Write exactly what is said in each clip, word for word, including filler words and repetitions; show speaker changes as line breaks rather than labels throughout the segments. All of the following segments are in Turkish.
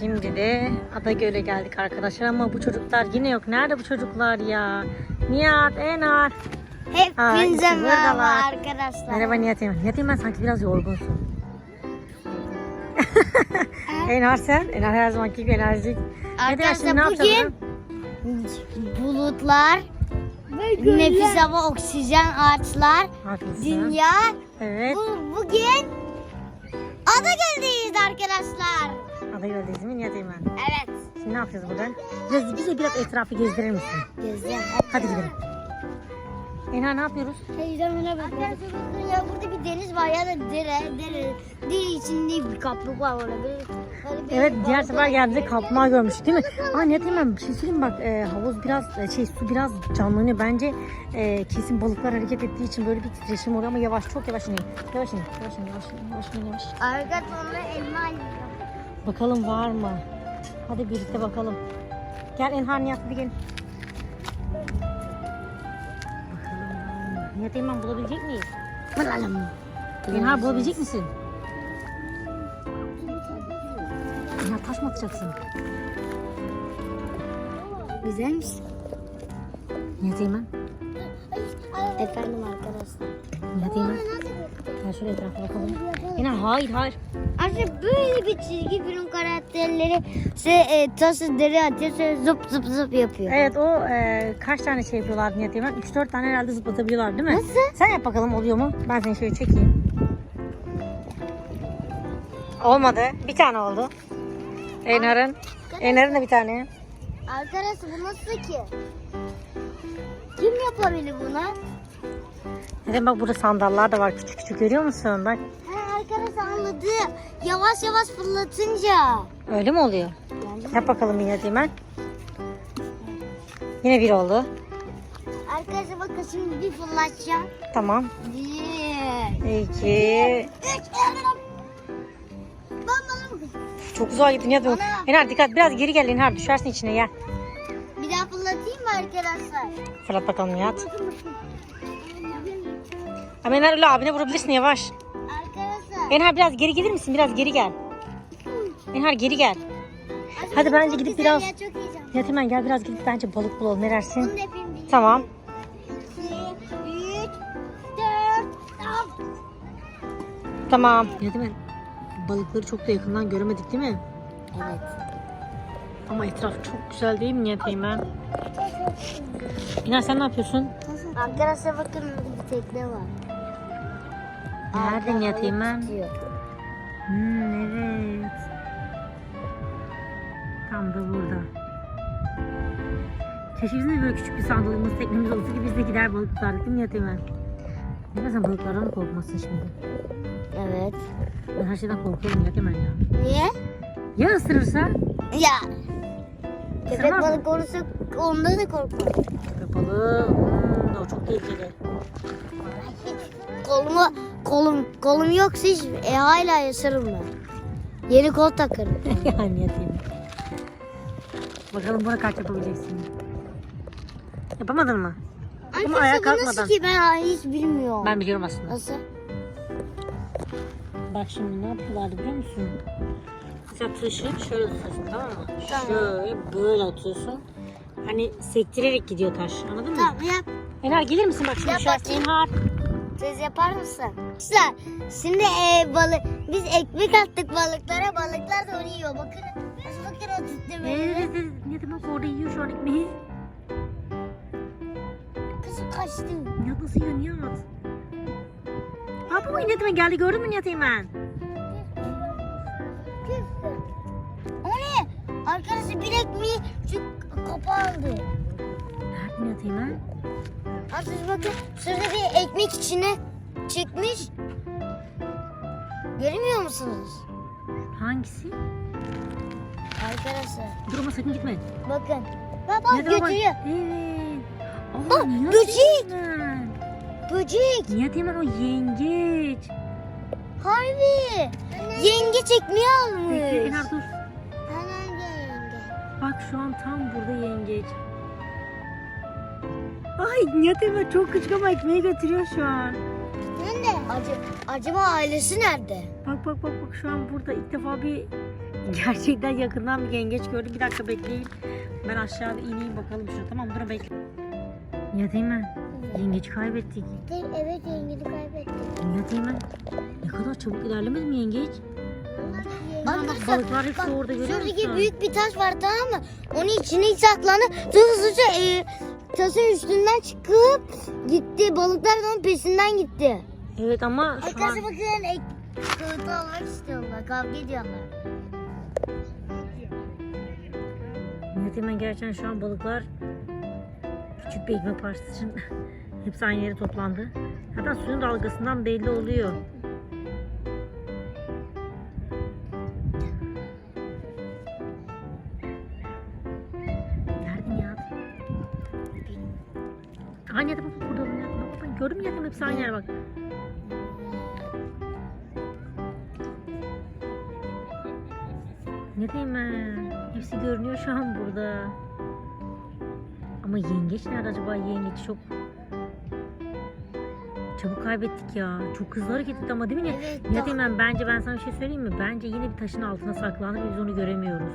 Şimdi de Adagöl'e geldik arkadaşlar ama bu çocuklar yine yok. Nerede bu çocuklar ya? Nihat, Enar.
Hepinize
Aa,
merhaba
buradalar.
arkadaşlar.
Merhaba Nihat Eymen. Nihat Eymen sanki biraz yorgunsun. Enar sen? Enar her zamanki gibi enerjik.
Arkadaşlar
ne
bugün
yapacağız?
bulutlar, nefis hava, oksijen, ağaçlar,
Haklısın.
dünya.
Evet.
Bu, bugün Adagöl'deyiz arkadaşlar.
Adagöl'deyiz değil mi Nihat Eymen?
Evet.
Şimdi ne yapacağız buradan? Biraz, bize biraz etrafı gezdirir misin?
Gezeceğim.
Hadi gidelim. Enar ne yapıyoruz?
Teyzemine bakın. Arkadaşlar bakın ya, burada bir deniz var ya da dere, dere. Dere içinde bir kaplık var orada. Böyle, böyle bir
Evet, diğer
balkon-
sefer geldiğimizde kaplumbağa görmüştük değil mi? Aa Nihat Eymen bir şey söyleyeyim mi? Bak e, havuz biraz e, şey su biraz canlanıyor. Bence e, kesin balıklar hareket ettiği için böyle bir titreşim oluyor ama yavaş, çok yavaş inin. Yavaş inin, yavaş inin, yavaş inin, yavaş inin, yavaş.
Arkadaşlar onunla elma alıyor.
Bakalım var mı? Hadi birlikte bakalım. Gel Enhar, Nihat hadi gelin. Bakalım var mı? Nihat Eymen bulabilecek miyiz?
Bakalım.
Enhar bulabilecek misin? Enhar taş mı atacaksın?
Güzelmiş.
Nihat Eymen.
Efendim arkadaşlar.
Nihat Eymen. Gel şöyle etrafa bakalım. Enhar hayır hayır.
Aslında böyle bir çizgi film karakterleri şey, e, taşı deri atıyor, sonra zıp zıp zıp yapıyor.
Evet o e, kaç tane şey yapıyorlar Nihat Eymen? üç dört tane herhalde zıplatabiliyorlar değil mi?
Nasıl?
Sen yap bakalım oluyor mu? Ben seni şöyle çekeyim. Olmadı. Bir tane oldu. Enar'ın. Enar'ın da bir tane.
Arkadaşlar bu nasıl ki? Kim yapabilir bunu?
Neden bak burada sandallar da var küçük küçük görüyor musun? Bak.
Ha, arkadaşlar anladım. Yavaş yavaş fırlatınca.
Öyle mi oluyor?
Yani,
Yap bakalım Nihat Eymen. Yine bir oldu.
arkadaşlar bakın şimdi bir fırlatacağım.
Tamam.
Bir.
İki.
Üç. Ben bana bakın.
Çok uzağa gittin Nihat Eymen. Enar dikkat biraz geri gel Enar düşersin içine gel.
Bir daha fırlatayım mı arkadaşlar?
Fırlat bakalım Nihat.
Bakın bakın.
Ama Enar öyle abine vurabilirsin yavaş.
Arkadaşlar.
Enhar biraz geri gelir misin? Biraz geri gel. Enhar geri gel. Hadi bence
çok
gidip
güzel
biraz...
Ya, çok heyecanlı.
Nihat Eymen gel biraz gidip bence balık bulalım. Ne dersin?
Bunu da yapayım. Bir,
Tamam.
iki, üç, dört, tamam.
Tamam. Nihat Eymen balıkları çok da yakından göremedik değil mi?
Evet.
Ama etraf çok güzel değil mi Nihat Eymen? Enhar sen ne yapıyorsun?
Arkadaşlar bakın bir tekne var.
Nerede Nihat Eymen?
Tutuyor.
Hmm, evet. Tam da burada. Keşke bizim de böyle küçük bir sandalımız, teknemiz olsa ki biz de gider balık tutardık değil mi Nihat Eymen? Ne sen balıklardan mı korkmasın şimdi?
Evet.
Ben her şeyden korkuyorum Nihat Eymen ya.
Niye?
Ya ısırırsa?
Ya. Köpek
Isırmaz mı?
balık olursa ondan da korkma.
Köpek balığı, hmm, o çok tehlikeli.
Koluma, kolum, kolum yoksa hiç e, hala yaşarım ben. Yeni kol takarım.
Yani Nihat Eymen. Bakalım buna kaç yapabileceksin. Yapamadın mı? Ama ayağa
Arkadaşlar bu
kalkmadan.
nasıl ki ben hiç bilmiyorum.
Ben biliyorum aslında.
Nasıl?
Bak şimdi ne yapıyorlardı biliyor musun? Mesela taşı şöyle tutuyorsun tamam mı?
Tamam.
Şöyle böyle atıyorsun. Hani sektirerek gidiyor taş anladın mı?
Tamam yap.
Enhar gelir misin bak şimdi
Yap
şu an
bakayım.
Enhar.
Siz yapar mısın? Arkadaşlar şimdi e, balık, biz ekmek attık balıklara, balıklar da onu yiyor. Bakın, bakın o tuttu
Evet
beni.
evet evet. Ne demek orada yiyor şu an ekmeği.
Kızım kaçtı.
Nihat nasıl yiyor Nihat? Ha bu Nihat Eymen geldi gördün mü Nihat Eymen?
O ne? Arkadaşlar bir ekmeği şu kapandı.
Nerede Nihat Eymen?
Arkadaşlar bakın şurada bir ekmek içine çıkmış. Görmüyor musunuz?
Hangisi?
Arkadaşlar
Dur ama sakın gitme.
bakın. Bak bak
Nihat Eymen bak-
götürüyor.
Evet.
Aa,
Aa, Nihat
böcek.
Eymen.
Böcek.
Nihat Eymen o yengeç.
Harbi. Yengeç ekmeği almış.
Bekle Enhar dur.
Hangi yenge?
Bak şu an tam burada yengeç. Ay Nihat Eymen çok küçük ama ekmeği götürüyor şu an.
Nerede? Acı, acaba ailesi nerede?
Bak bak bak bak şu an burada ilk defa bir Gerçekten yakından bir yengeç gördüm. Bir dakika bekleyin. Ben aşağıda ineyim bakalım şuna. Tamam dur bekle. Nihat Eymen. Yengeci kaybettik.
Evet yengeci kaybettik.
Nihat Eymen. Ne kadar çabuk ilerlemedi mi yengeç? Aa, bak
Arkadaşlar,
balıklar hepsi
bak,
orada görüyor musun?
şuradaki büyük bir taş var tamam mı? Onun içine saklandı. Sonra hızlıca e, taşın üstünden çıkıp gitti. Balıklar da onun peşinden gitti.
Evet ama şu an...
Arkadaşlar bakın ek, kağıtı almak istiyorlar. Kavga ediyorlar.
Nihat Eymen gerçekten şu an balıklar küçük bir ekmek parçası için hepsi aynı yere toplandı. Hatta suyun dalgasından belli oluyor. Nerede Nihat? Aynı yerde bak burada. Nihat. Bak, bak, gördün mü Nihat Eymen? Hepsi aynı yer bak. Nihat Eymen. Hepsi görünüyor şu an burada. Ama yengeç nerede acaba? Yengeç çok çabuk kaybettik ya. Çok hızlı hareket etti ama değil mi?
Evet,
Nihat
daha-
Eymen bence ben sana bir şey söyleyeyim mi? Bence yine bir taşın altına saklandı ve biz onu göremiyoruz.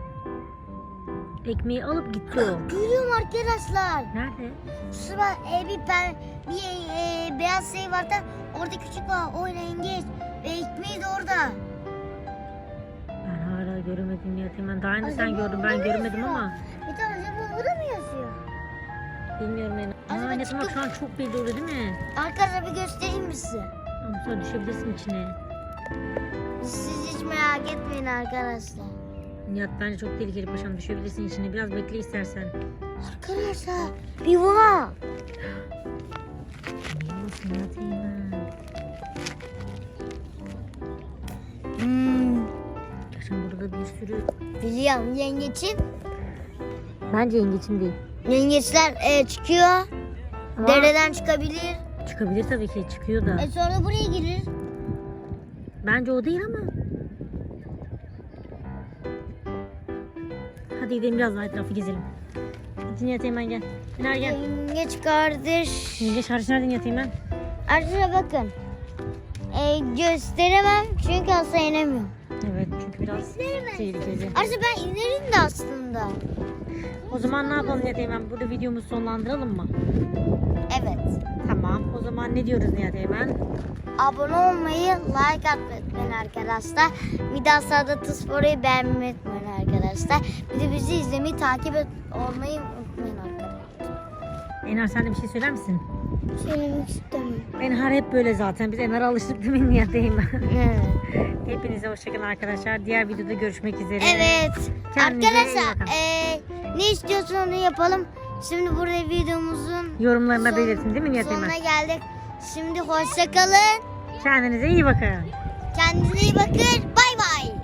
Ekmeği alıp gitti o.
Görüyorum arkadaşlar.
Nerede?
Şurada e, bir, ben, bir e, beyaz şey var da orada küçük var. O yengeç. Ve ekmeği de orada.
Ben hala göremedim Nihat Eymen. Daha önce sen
Acaba
gördün
orada
ben
mı
göremedim
yaşıyor?
ama.
Bir tane acaba burada mı yazıyor?
Bilmiyorum yani.
Acaba
Aa Nihat Eymen
çıkıp-
şu an çok belli oluyor değil mi?
Arkadaşlar bir göstereyim mi size?
Ama sonra düşebilirsin içine.
Siz hiç merak etmeyin arkadaşlar.
Nihat bence çok tehlikeli paşam, düşebilirsin içine. Biraz bekle istersen.
Arkadaşlar bir var.
Nasıl Nihat Eymen?
Hmm,
Yaşam burada bir sürü.
biliyorum yengeçin.
Bence yengeçin değil.
Yengeçler e, çıkıyor.
Ama
Dereden çıkabilir.
çıkabilir tabii ki, çıkıyor da.
E sonra buraya girir.
Bence o değil ama. Hadi gidelim biraz daha etrafı gezelim. Hadi Nihat Eymen gel. Ener gel.
Yengeç kardeş.
Yengeç hariç nerede Nihat Eymen?
Arkadaşlar bakın. E, gösteremem çünkü asla inemiyorum.
Evet çünkü biraz tehlikeli.
Arkadaşlar ben inerim de aslında.
O zaman ne yapalım Nihat Eymen? Burada videomuzu sonlandıralım mı?
Evet.
Tamam. O zaman ne diyoruz Nihat Eymen?
Abone olmayı, like atmayı unutmayın arkadaşlar. Bir daha sağda Tıspor'u beğenmeyi unutmayın arkadaşlar. Bir de bizi izlemeyi, takip et, olmayı unutmayın arkadaşlar.
Ener sen de bir şey söyler misin?
Söylemek istemiyorum.
Ener hep böyle zaten. Biz Ener'e alıştık değil mi Nihat Eymen?
Evet.
Hepinize hoşçakalın arkadaşlar. Diğer videoda görüşmek üzere.
Evet.
Kendinize iyi
Arkadaşlar
bakın.
eee, ne istiyorsun onu yapalım. Şimdi burada videomuzun
Yorumlarına
son-
belirtin değil mi Nihat Eymen?
sonuna geldik. Şimdi hoşça kalın.
Kendinize iyi bakın.
Kendinize iyi bakın. Bay bay.